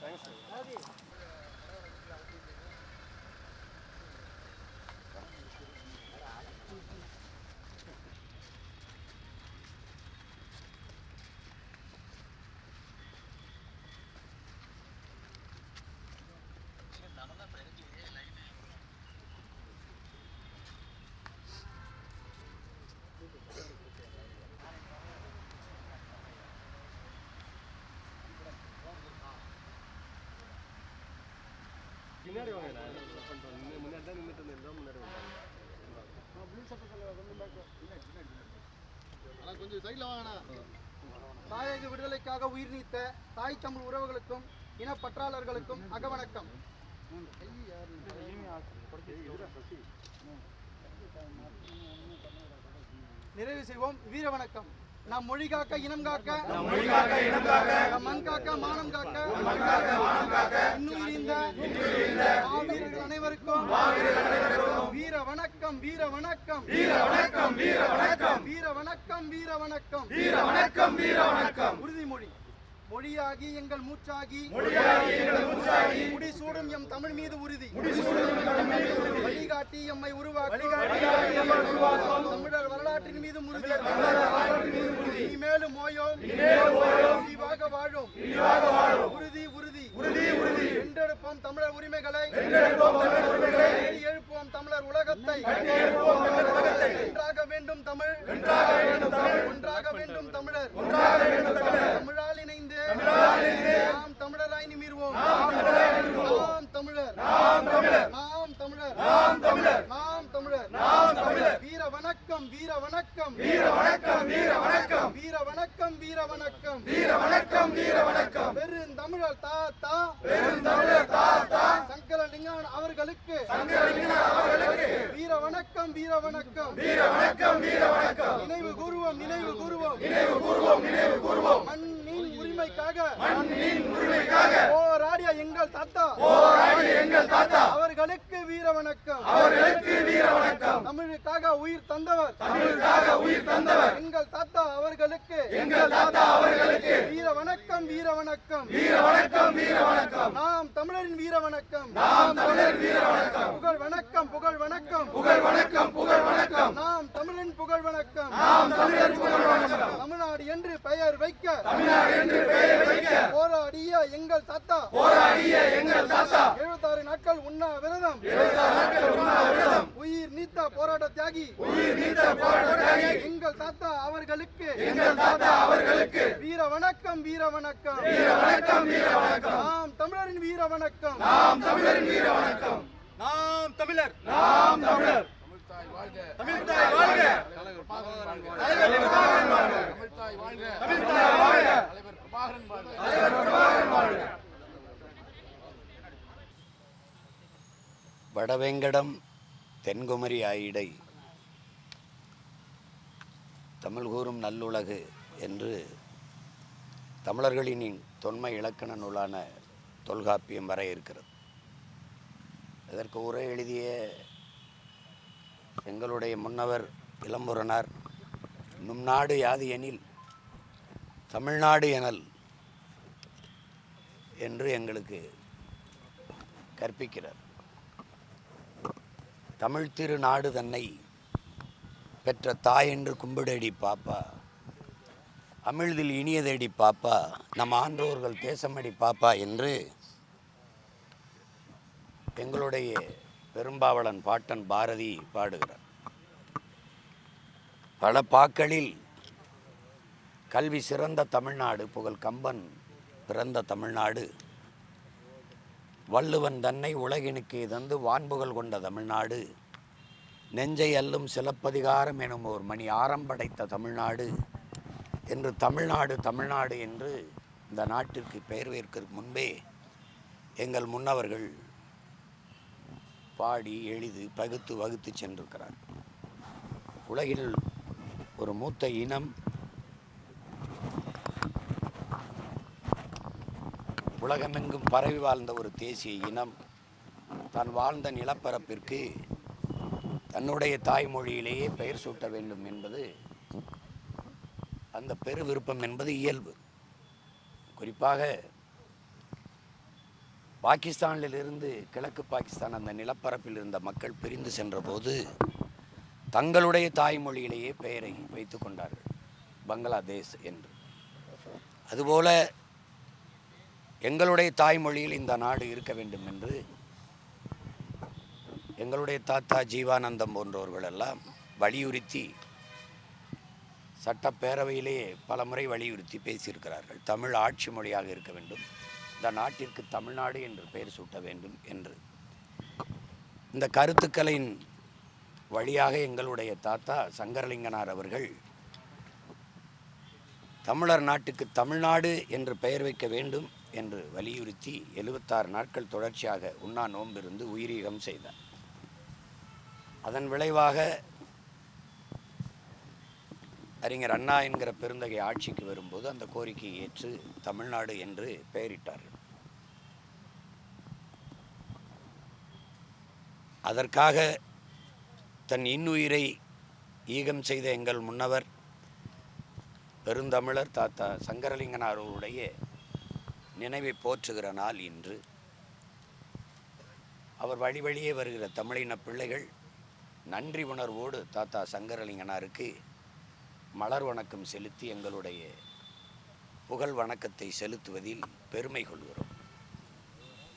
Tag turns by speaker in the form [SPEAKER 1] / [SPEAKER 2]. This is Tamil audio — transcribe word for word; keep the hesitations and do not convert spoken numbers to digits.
[SPEAKER 1] முன்னாடி வாங்க, முன்னாடி தான் நின்றுட்டு இருந்தேன், முன்னாடி கொஞ்சம் சைடில் வாங்கண்ணா.
[SPEAKER 2] தாயக விடுதலைக்காக உயிர் நீத்த தாய் தமிழ் உறவுகளுக்கும் இனப்பற்றாளர்களுக்கும் அகவணக்கம். நிறைவு செய்வோம். வீர வணக்கம். நம் மொழி காக்க இனம் காக்க, நம் மொழி காக்க இனம் காக்க, நம் மண் காக்க மானம் காக்க, நம் மண் காக்க மானம் காக்க, இன்னுயிரிந்த இன்னுயிரிந்த மாவீரர்கள் அனைவருக்கும் மாவீரர்கள் அனைவருக்கும் வீர வணக்கம் வீர வணக்கம் வீர வணக்கம் வீர வணக்கம் வீர வணக்கம் வீர வணக்கம் வீர வணக்கம் வீர வணக்கம். உறுதிமொழி. மொழியாகி எங்கள் மூச்சாகி மொழியாகி எங்கள் மூச்சாகி முடிசூடும் எம் தமிழ் மீது உறுதி முடிசூடும் எம் தமிழ் மீது உறுதி வழிகாட்டி எம்மை உருவாக்கும் வழிகாட்டி எம்மை உருவாக்கும் தமிழர் வரலாற்றின் மீது உறுதி தமிழர் வரலாற்றின் மீது உறுதி இனிமேலும் ஓயோம் இனிமேலும் ஓயோம் விரிவாக வாழும் விரிவாக வாழும் உறுதி உறுதி உறுதி உறுதி வென்றெடுப்போம் தமிழர் உரிமைகளை வென்றெடுப்போம் தமிழர் உரிமைகளை கட்டி எழுப்புவோம் தமிழர் உலகத்தை கட்டி எழுப்புவோம் தமிழர் உலகத்தை ஒன்றாக வேண்டும் தமிழ் ஒன்றாக வேண்டும் தமிழ் ஒன்றாக வேண்டும் தமிழர் ஒன்றாக வேண்டும் தமிழர் தமிழால் இணைந்து நாம் தமிழராய் நிமிர்வோம். நாம் தமிழர் நாம் தமிழர் நாம் தமிழர் நாம் தமிழர் நாம் தமிழர் நாம் தமிழர். வீர வணக்கம் வீர வணக்கம் வீர வணக்கம் வீர வணக்கம் வீர வணக்கம் வீர வணக்கம் வீர வணக்கம் வீர வணக்கம். பெருந்தமிழர் தாத்தா பெருந்தமிழர் தாத்தா சங்கரலிங்கன் அவர்களுக்கு சங்கரலிங்கன் அவர்களுக்கு வீர வணக்கம் வீர வணக்கம் வீர வணக்கம் வீர வணக்கம். நினைவு கூறுவோம் நினைவு கூறுவோம் நினைவு கூறுவோம் நினைவு கூறுவோம். மண்ணின் உரிமைக்காக மண்ணின் உரிமைக்காக போராடிய எங்கள் தாத்தா போராடிய எங்கள் தாத்தா அவர்களுக்கு வீர வணக்கம் அவர்களுக்கு வீர வணக்கம். தமிழுக்காக உயிர் தந்தவர் தமிழுக்காக உயிர் தந்தவர் எங்கள் தாத்தா அவர்களுக்கு எங்கள் தாத்தா அவர்களுக்கு வீர வணக்கம் வீர வணக்கம் வீர வணக்கம் வீர வணக்கம். நாம் தமிழரின் வீர வணக்கம் நாம் தமிழரின் வீர வணக்கம். புகழ் வணக்கம் புகழ் வணக்கம் புகழ் வணக்கம் புகழ் வணக்கம். நாம் தமிழரின் புகழ் வணக்கம் நாம் தமிழரின் புகழ் வணக்கம். தமிழ்நாடு என்று பெயர் வைக்க தமிழ்நாடு என்று பெயர் வைக்க போராடிய எங்கள் தாத்தா போராடிய எங்கள் தாத்தா எழுபத்தாறு நாட்கள் உண்ணா விரதம் எழுபத்தாறு நாட்கள் உண்ணா விரதம் உயிர் நீத்த போராட்ட தியாகி உயிர் நீத்த போராட்ட தியாகி எங்கள் தாத்தா அவர்களுக்கு எங்கள் தாத்தா அவர்களுக்கு வீர வணக்கம் வீர வணக்கம் வீர வணக்கம் வீர வணக்கம். நாம் தமிழரின் வீர வணக்கம் நாம் தமிழரின் வீர வணக்கம். நாம் தமிழர் நாம் தமிழர். தமிழ்தாய் வாழ்க தமிழ்தாய் வாழ்க தலைவர் பிரபாகரன் வாழ்க தமிழ்தாய் வாழ்க தமிழ்தாய் வாழ்க தலைவர் பிரபாகரன் வாழ்க தலைவர் பிரபாகரன் வாழ்க.
[SPEAKER 3] வடவேங்கடம் தென்குமரி ஆயிடை தமிழ் கூறும் நல்லுலகு என்று தமிழர்களின் தொன்மை இலக்கண நூலான தொல்காப்பியம் வர இருக்கிறது. இதற்கு உரை எழுதிய எங்களுடைய முன்னவர் இளம்புறனார் நும் நாடு யாது எனில் தமிழ்நாடு எனல் என்று எங்களுக்கு கற்பிக்கிறார். தமிழ் திரு நாடு தன்னை பெற்ற தாய் என்று கும்பிடடி பாப்பா அமிழ்தில் இனியதேடி பாப்பா நம் ஆன்றோர்கள் தேசமடி பாப்பா என்று எங்களுடைய பெரும்பாவளன் பாட்டன் பாரதி பாடுகிறார். பல பாக்களில் கல்வி சிறந்த தமிழ்நாடு புகழ் கம்பன் பிறந்த தமிழ்நாடு வள்ளுவன் தன்னை உலகினுக்கு தந்து வான்புகழ் கொண்ட தமிழ்நாடு நெஞ்சை அல்லும் சிலப்பதிகாரம் எனும் ஒரு மணி ஆரம்படைத்த தமிழ்நாடு என்று தமிழ்நாடு தமிழ்நாடு என்று இந்த நாட்டிற்கு பெயர் வைப்பதற்கு முன்பே எங்கள் முன்னவர்கள் பாடி எளிது பகுத்து வகுத்து சென்றிருக்கிறார். உலகில் ஒரு மூத்த இனம் உலகமெங்கும் பரவி வாழ்ந்த ஒரு தேசிய இனம் தான் வாழ்ந்த நிலப்பரப்பிற்கு தன்னுடைய தாய்மொழியிலேயே பெயர் சூட்ட வேண்டும் என்பது அந்த பெரு விருப்பம் என்பது இயல்பு. குறிப்பாக பாகிஸ்தானிலிருந்து கிழக்கு பாகிஸ்தான் அந்த நிலப்பரப்பில் இருந்த மக்கள் பிரிந்து சென்றபோது தங்களுடைய தாய்மொழியிலேயே பெயரை வைத்து கொண்டார்கள், பங்களாதேஷ் என்று. அதுபோல எங்களுடைய தாய்மொழியில் இந்த நாடு இருக்க வேண்டும் என்று எங்களுடைய தாத்தா ஜீவானந்தம் போன்றவர்கள் எல்லாம் வலியுறுத்தி சட்டப்பேரவையிலே பல முறை வலியுறுத்தி பேசியிருக்கிறார்கள். தமிழ் ஆட்சி மொழியாக இருக்க வேண்டும், இந்த நாட்டிற்கு தமிழ்நாடு என்று பெயர் சூட்ட வேண்டும் என்று. இந்த கருத்துக்களின் வழியாக எங்களுடைய தாத்தா சங்கரலிங்கனார் அவர்கள் தமிழர் நாட்டுக்கு தமிழ்நாடு என்று பெயர் வைக்க வேண்டும் என்று வலியுறுத்தி எழுபத்தாறு நாட்கள் தொடர்ச்சியாக உண்ணா நோன்பிருந்து உயிரீகம் செய்தார். அதன் விளைவாக அறிஞர் அண்ணா என்கிற பெருந்தகை ஆட்சிக்கு வரும்போது அந்த கோரிக்கையை ஏற்று தமிழ்நாடு என்று பெயரிட்டார்கள். அதற்காக தன் இன்னுயிரை ஈகம் செய்த எங்கள் முன்னவர் பெருந்தமிழர் தாத்தா சங்கரலிங்கனார் அவருடைய நினைவை போற்றுகிற நாள் இன்று. அவர் வழி வழியே வருகிற தமிழின பிள்ளைகள் நன்றி உணர்வோடு தாத்தா சங்கரலிங்கனாருக்கு மலர் வணக்கம் செலுத்தி எங்களுடைய புகழ் வணக்கத்தை செலுத்துவதில் பெருமை கொள்கிறோம்.